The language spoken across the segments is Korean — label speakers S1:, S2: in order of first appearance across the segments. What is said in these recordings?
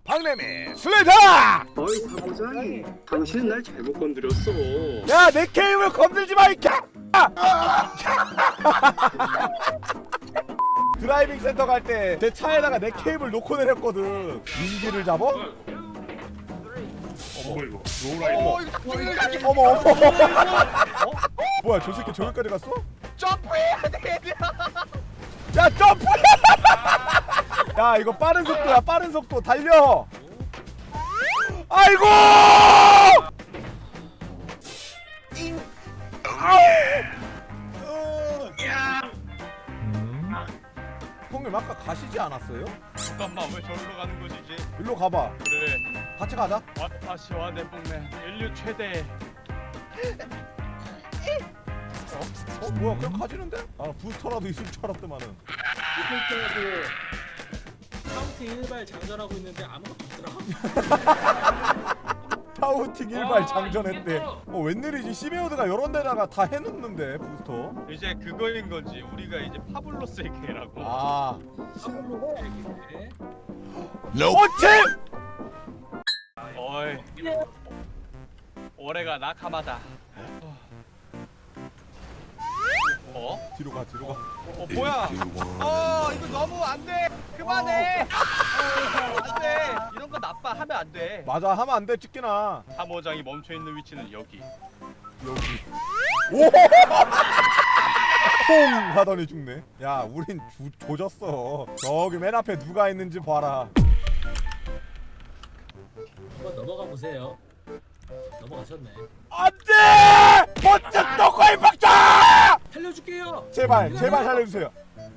S1: 박래미 슬레이터!
S2: 어이 사무장이 당신은 날 잘못 건드렸어.
S1: 야 내 게임을 건들지 마 이 개! 드라이빙 센터 갈 때 내 차에다가 내 케이블 놓고 내렸거든. 민기를 잡어?
S3: 어머 이거 로우라이더.
S1: 어머. 뭐야 저 새끼 저기까지 갔어?
S4: 점프해야 돼.
S1: 야 점프! 야 이거 빠른 속도야 빠른 속도 달려. 아이고! 형님 아까 가시지 않았어요?
S4: 잠깐만 왜 저리로 가는 거지 이제?
S1: 일로 가봐.
S4: 그래.
S1: 같이 가자.
S4: 와타시와 내 뽕맨 인류 최대.
S1: 뭐야 그냥 가지는데? 아 부스터라도 있을 줄 알았더만은.
S5: 이럴 때도 카운트 일발 장전하고 있는데 아무것도 없더라.
S1: 타우팅 일발 장전했대. 웬일이지? 시메오드가 이런 데다가 다 해놓는데 부스터.
S4: 이제 그거인 건지 우리가 이제 파블로스의 개라고.
S1: 아
S5: 실로 얘기해.
S1: 어째!
S4: 어이. 올해가 나카마다. 어?
S1: 뒤로 가 뒤로 가.
S4: 뭐야? 이거 너무 안 돼. 그만해. 안 돼. 이런 거 나빠 하면 안 돼.
S1: 맞아 하면 안 돼 찍기나.
S4: 사모장이 멈춰 있는 위치는 여기.
S1: 여기. 오! 퐁 하더니 죽네. 야 우린 조졌어. 저기 맨 앞에 누가 있는지 봐라.
S5: 한번 넘어가 보세요. 넘어가셨네.
S1: 안돼! 번쩍 떡과이 박자!
S5: 살려줄게요.
S1: 제발 살려주세요.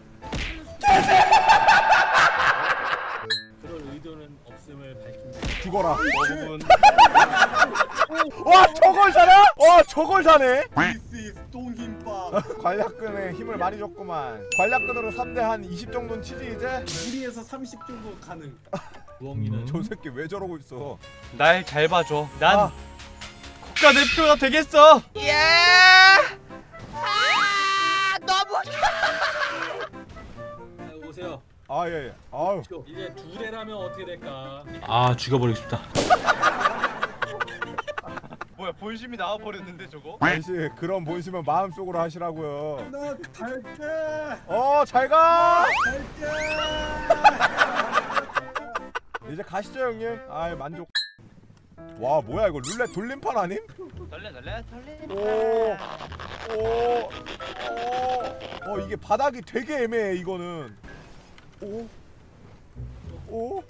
S5: 그럴 의도는 없음을 밝힌다.
S1: 죽어라.
S4: 대부분
S1: 와 저걸 사냐? 와 저걸 사네.
S3: This is 똥김밥.
S1: 관략근에 힘을 많이 줬구만. 관략근으로 3대 한 20 정도는 치지 이제?
S3: 1에서 30 정도 가능.
S5: 부엉이는
S1: 저 새끼 왜 저러고 있어?
S4: 날 잘 봐줘. 난
S1: 아,
S4: 국가대표가 되겠어.
S5: 오세요.
S1: 아 예. 아유.
S5: 이제 두 대라면 어떻게 될까?
S6: 아 죽여버리고 싶다.
S4: 뭐야 본심이 나와 버렸는데 저거?
S1: 아저씨 그런 본심은 마음속으로 하시라고요.
S3: 나 갈게.
S1: 잘 가.
S3: 갈게.
S1: 이제 가시죠 형님. 아이 만족. 와 뭐야 이거 룰렛 돌림판 아님?
S4: 달래.
S1: 오. 이게 바닥이 되게 애매해 이거는. 오.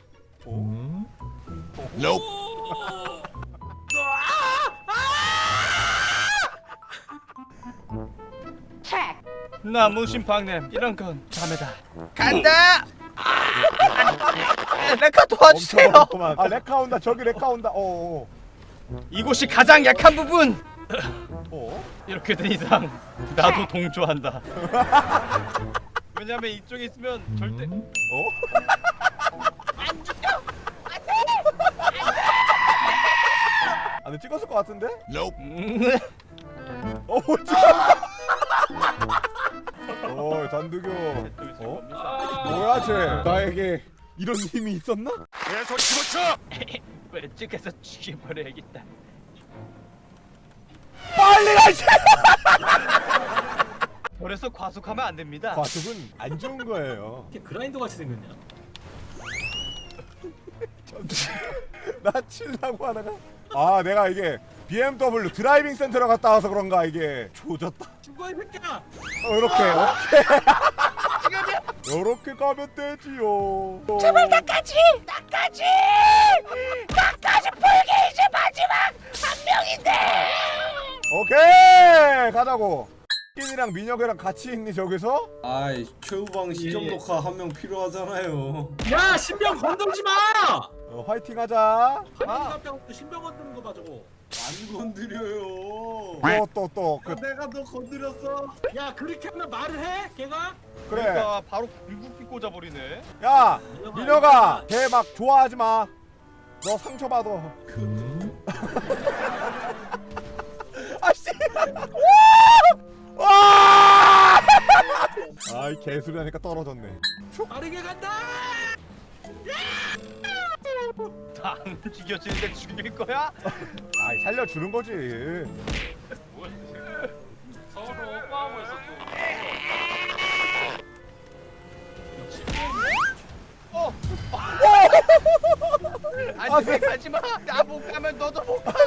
S4: 나 무심팡냄 이런 건 자매다. 간다. 레카 도와주세요.
S1: 아 레카 온다. 저기 레카 온다.
S4: 이곳이 가장 약한 부분.
S1: 어?
S4: 이렇게 된 이상 나도 동조한다. 왜냐면 이쪽에 있으면 절대
S1: 안돼 찍었을 것 같은데?
S4: 음,
S1: 찍었어. 단두교.
S4: 또 있을 겁니다.
S1: 뭐야 쟤? 나에게 이런 힘이 있었나?
S4: 왼쪽에서 죽여버려야겠다.
S1: 빨리 가시!
S4: 그래서 과속하면 안 됩니다.
S1: 과속은 안 좋은 거예요.
S5: 이렇게 그라인더 같이 생겼냐?
S1: 나 치려고 하다가 내가 이게 BMW 드라이빙 센터로 갔다 와서 그런가 이게 조졌다.
S5: 죽어 이 새끼야!
S1: 이렇게 이렇게 가면 되지요.
S7: 제발 나까지 불게 이제 마지막 한 명인데.
S1: 오케이 가자고. 끼니랑 민혁이랑 같이 있니 저기서?
S3: 아이 최우방 시점
S5: 예.
S3: 녹화 한 명 필요하잖아요.
S5: 야 신병 건들지 마!
S1: 화이팅하자.
S5: 한갑병도 신병 건드는 거 봐 저거.
S3: 안 건드려요.
S1: 또
S3: 내가 너 건드렸어.
S5: 야 그렇게 하면 말을 해? 걔가?
S1: 그래.
S4: 그러니까 바로 불국기 꽂아버리네.
S1: 야 민혁아 걔 막 좋아하지 마. 너 상처받아. 아씨. 와! 아이 개소리 하니까 떨어졌네.
S5: 빠르게 간다!
S4: 안 죽여지는데 죽일 거야?
S1: 아이 살려주는 거지.
S6: 뭐야 서로 오빠하고 있어
S4: 어.
S1: 아,
S4: 안돼 가지 마. 나 못 가면 너도 못 가.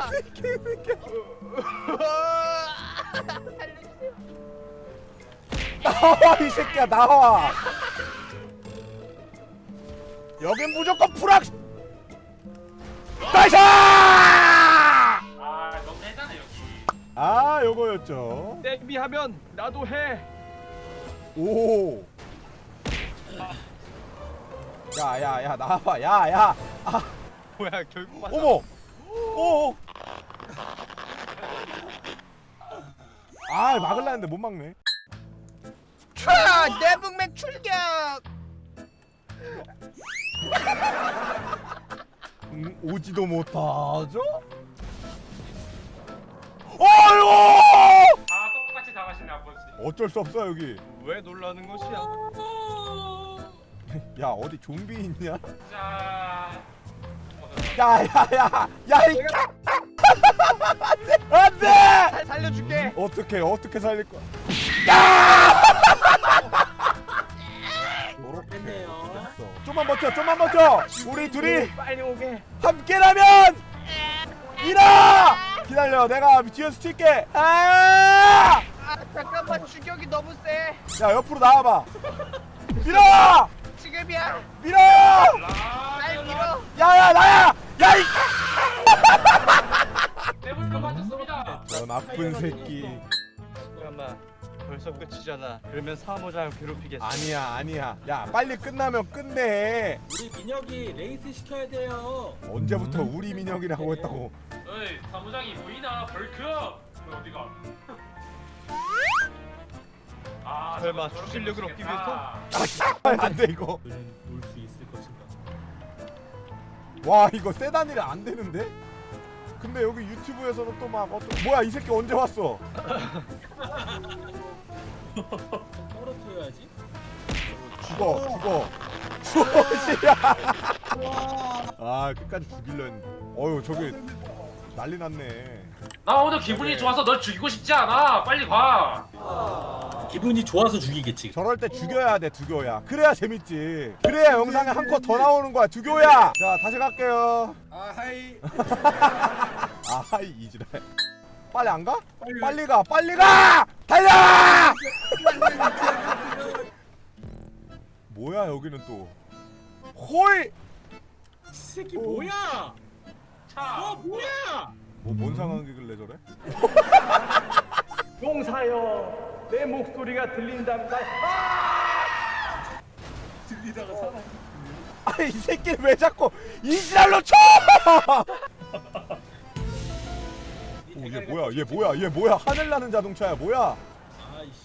S4: 살려주세요.
S1: 나와 이 새끼야 나와. 여긴 무조건 프락. 나이스!
S6: 아 너무 해잖아 여기
S1: 아 요거였죠.
S4: 데뷔하면 나도 해.
S1: 오. 야야야 나와봐 야야. 아
S4: 뭐야 결국 맞아.
S1: 어머. 오. 아 막을라 했는데 못 막네.
S4: 촤! 내북맨 출격!
S1: 오지도 못하죠? 어이구!
S6: 다 똑같이 당하시네 아버지
S1: 어쩔 수 없어 여기.
S4: 왜 놀라는 것이야?
S1: 야 어디 좀비 있냐?
S6: 자
S1: 야야야 야이 안돼!
S4: 살려줄게.
S1: 어떻게 살릴 거야?
S5: 됐네요.
S1: 좀만 버텨. 우리 둘이
S4: 빨리 오게.
S1: 함께라면 일어! 기다려 내가 뒤에서 칠게. 아!
S4: 아 잠깐만 추격이 너무 세.
S1: 야 옆으로 나와봐. 밀어!
S4: 지금이야.
S1: 밀어!
S4: 날 밀어.
S1: 야야 나야! 야이!
S6: 대부분 맞췄습니다
S1: 저 나쁜 새끼.
S4: 잠깐만. 벌써 끝이잖아. 그러면 사모장을 괴롭히겠어.
S1: 아니야. 야 빨리 끝나면 끝내.
S5: 우리 민혁이 레이스 시켜야 돼요.
S1: 언제부터 우리 민혁이라고 했다고?
S6: 어이 사무장이 보이나 벌크 왜 어디가 아
S4: 설마
S6: 저거 저렇게
S4: 추진력을 얻기
S6: 놓치겠다.
S1: 안돼 이거.
S5: 놀 수 있을 것인가?
S1: 와 이거 세단이라 안 되는데? 근데 여기 유튜브에서는 또 막 뭐야 이 새끼 언제 왔어?
S5: 떨어뜨려야지.
S1: 죽어 씨야. 아 끝까지 죽일려 했는데 어휴 저기 난리 났네.
S6: 나 오늘 기분이 좋아서 널 죽이고 싶지 않아 빨리 가
S5: 기분이 좋아서 죽이겠지.
S1: 저럴 때 죽여야 돼 두교야. 그래야 재밌지. 그래야 영상에 한 컷 더 나오는 거야 두교야. 자 다시 갈게요.
S3: 아하이.
S1: 아이 이지랄. 빨리 안 가? 빨리 가! 달려! 뭐야 여기는 또 홀!
S5: 이 새끼 뭐야?
S6: 차
S5: 뭐야?
S1: 뭔 상황이길래 저래?
S4: 용사여, 내 목소리가 들린답니다.
S3: 들리다가 살아.
S1: 아이 이 새끼 왜 자꾸 이지랄로 쳐! 얘 뭐야 하늘 나는 자동차야 뭐야?
S5: 아이씨.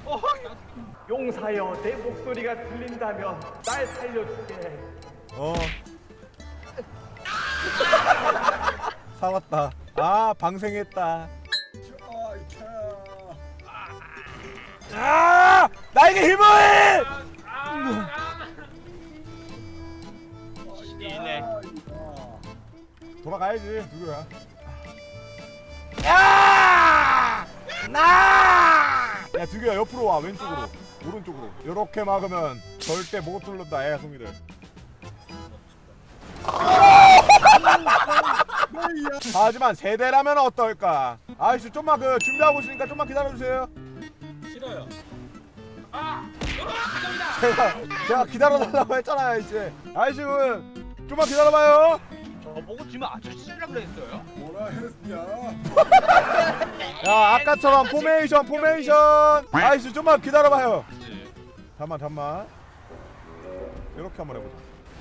S4: 용사여, 내 목소리가 들린다면 날 살려줄게.
S1: 살았다. 아 방생했다. 아 나에게 힘을!
S4: 이네.
S1: 돌아가야지 누구야? 야! 야 두규야 옆으로 와 왼쪽으로 오른쪽으로 이렇게 막으면 절대 못 뚫는다 애송이들. 하지만 세대라면 어떨까? 아이씨 좀만 준비하고 있으니까 좀만 기다려주세요.
S5: 싫어요.
S1: 제가 기다려달라고 했잖아요 이제. 아이씨 좀만 기다려봐요.
S4: 저보고 지금 아저씨라고 그랬어요?
S3: 뭐라 했냐?
S1: 야 아까처럼 포메이션 아이씨 좀만 기다려봐요. 잠만 이렇게 한번 해보자.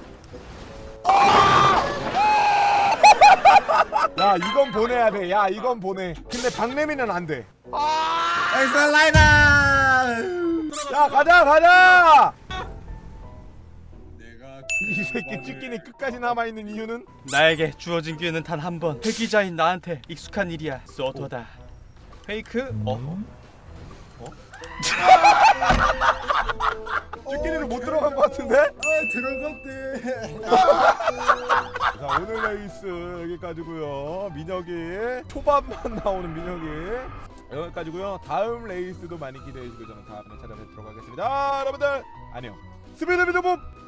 S1: 야 이건 보내야 돼. 야 이건 보내. 근데 박래미는 안 돼.
S3: 엑스트라 라이더.
S1: 야 가자.
S3: 내가
S1: 이 새끼 찌끼니 끝까지 남아있는 이유는?
S4: 나에게 주어진 기회는 단 한 번. 회기자인 나한테 익숙한 일이야. 쏘토다. 페이크?
S1: 쭈끼리는 못 들어간 것 같은데?
S3: 들어갔대.
S1: 자 오늘 레이스 여기까지고요. 민혁이 초반만 나오는 민혁이 여기까지고요. 다음 레이스도 많이 기대해 주시고 저는 다음에 찾아뵙도록 하겠습니다. 여러분들 안녕. 스피드 비드봅